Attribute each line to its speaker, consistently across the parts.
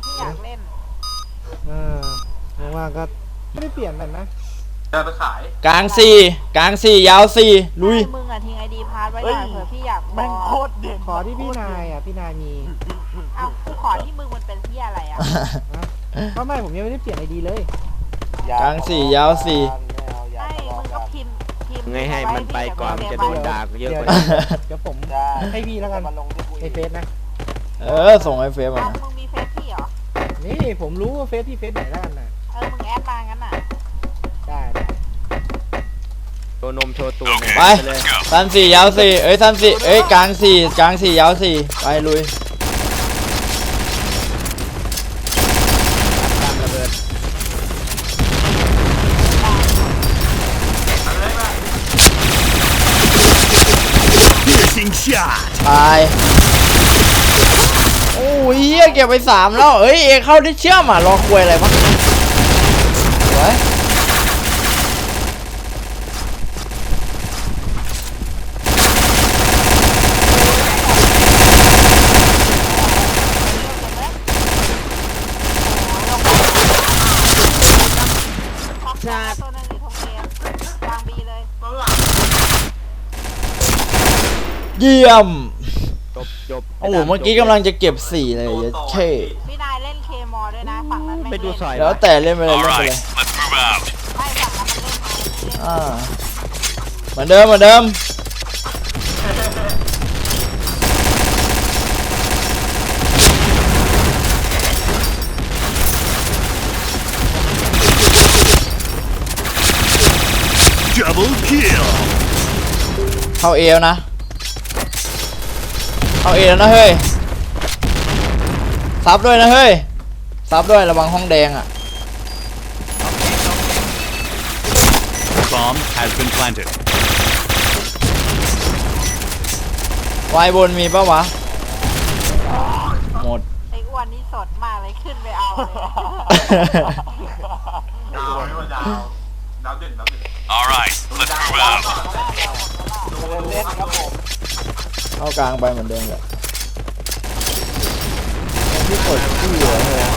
Speaker 1: พี่อยากเล่น
Speaker 2: เพราะว่าก็ไม่ได้เปลี่ยนกันนะ
Speaker 3: จะไปขาย
Speaker 4: กลาง4ยาว4ลุย
Speaker 1: มึงอะทิ้งไอดีพาร์ทไว้หน่อยเผื่อพี่อยาก
Speaker 2: แม่งโคตรเด่นขอที่พี่นายอ่ะพี่นายมี
Speaker 1: เอากูขอที่มึงมันเป็นที่อะไรอ่ะ
Speaker 2: ก็ไม่ผมยังไม่ได้เปลี่ยนไอดีเลย
Speaker 4: กลาง4ยาว4
Speaker 1: ให้มึงก็พิมพ์
Speaker 5: ไงให้มันไปก่อนมันจะโดนด่าเยอะกว่า
Speaker 2: เดี๋ยวผมให้พี่แล้วกันไอเฟซนะ
Speaker 4: ส่งไอเฟซมา
Speaker 1: มึงมีเฟซพี่เหรอ
Speaker 2: นี่ผมรู้ว่าเฟซพี่เฟซไหนแล้วกันนะ
Speaker 1: มึงแอดมางั้นน่ะ
Speaker 2: ได้
Speaker 5: โชว์นมโชว์ตัว
Speaker 4: ไปสั้น4ยาว4สั้น4กลาง4ยาว4ไปลุย
Speaker 5: ตามระเบิด
Speaker 4: ตายโอ้ยเก็บไป3แล้วเอเข้าที่เชื่อมรอคุยอะไรบ้างสวย
Speaker 1: ตัวนึงอยู่ทงเกมวางบีเลย
Speaker 4: เยี่ยม
Speaker 5: จบ
Speaker 4: โอ้โหเมื่อกี้กำลังจะเก็บ4เลยเช่
Speaker 1: พี่นายเล่นเคมอด้วยนะฝั่งนั้นไม่
Speaker 5: ไปดูสอย
Speaker 4: แล้วแต่เล่นไปเลย
Speaker 1: ไม่ฝั่งนั้น
Speaker 4: เห
Speaker 1: มันเล่น
Speaker 4: มือนเดิมเข้าเอวนะเข้าเอแล้วนะเฮ้ยซับด้วยนะเฮ้ยซับด้วยระวังห้องแดงอ่ะวายบนมีปะวะหมด
Speaker 1: ไอ้อ้วนนี่สดมากเลยขึ้นไปเอา
Speaker 3: ดาวเด่น
Speaker 6: Alright let's move out
Speaker 2: เล่นครับผม
Speaker 4: เข้ากลางไปเหมือนเดิมเลยที่กดที่เหลือเลย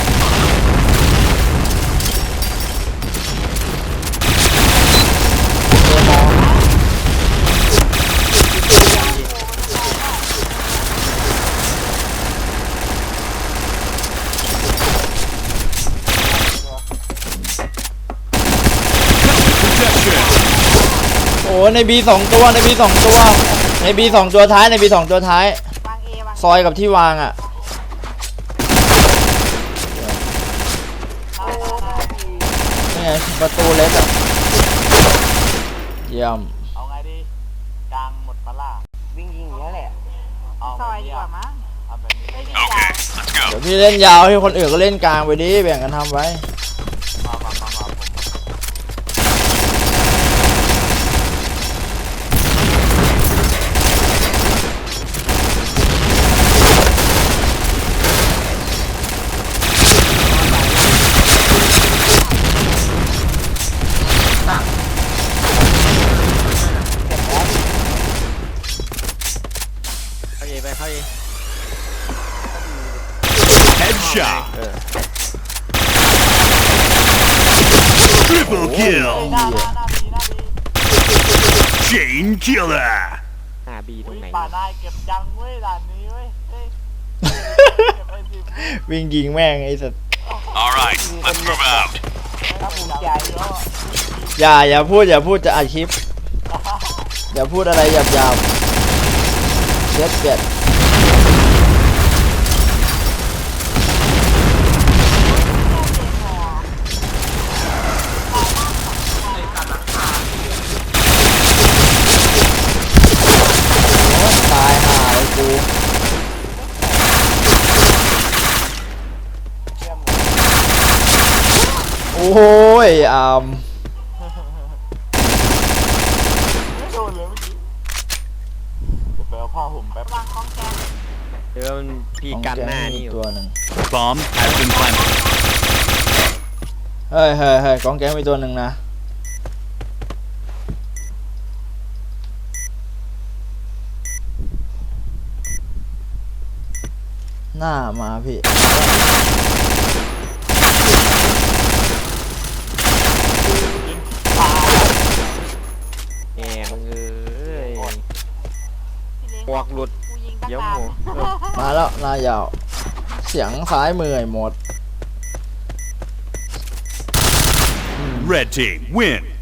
Speaker 4: โอ้ในบี2ตัวในบี2ตัวท้ายในบี2ตัวท้ายซอยกับที่วางอ่ะนี่ไงประตูเล็กอ่ะเยี่ยม
Speaker 2: เอาไงดีกลางหมดปลาวิ่งยิงอย่างนี้แหละ
Speaker 1: ซอยดีกว่ามั้ง
Speaker 6: โอเค let's go
Speaker 4: เดี๋ยวพี่เล่นยาวให้คนอื่นก็เล่นกลางไปดิแบ่งกันทำไว้
Speaker 5: เข้าเอ
Speaker 6: Headshot
Speaker 4: Triple kill
Speaker 6: Chain killer
Speaker 5: หาบีตรงไหน
Speaker 2: ป่านายเก็บยังเว้ยด่านนี้เว้ย
Speaker 4: วิ่งยิงแม่งไอ้สัส
Speaker 6: Alright let's move out
Speaker 4: อย่าพูดจะอัดคลิปอย่าพูดอะไรหยาบเจ็ดตายห่าเลยกูโอ้ย
Speaker 2: ผ้าห่มแป๊บ
Speaker 1: วางของแก
Speaker 5: เดี๋ยวพี่กันหน้านี่อยู่
Speaker 4: ตัวหนึ่ง
Speaker 6: Bomb has been planted
Speaker 4: เฮ้ยกองแก๊งมีตัวหนึ่งนะหน้ามาพี่
Speaker 5: แหมมึงเอ้ย
Speaker 1: พี่เล้ง
Speaker 5: หมวกหลุด
Speaker 1: กูยิงตั้ง
Speaker 5: เดี๋ยว
Speaker 1: นา
Speaker 5: ห
Speaker 1: น
Speaker 5: มู
Speaker 4: มาแล้วหน้ายาว เสียงซ้ายมือไอ้หมด
Speaker 6: Red team win.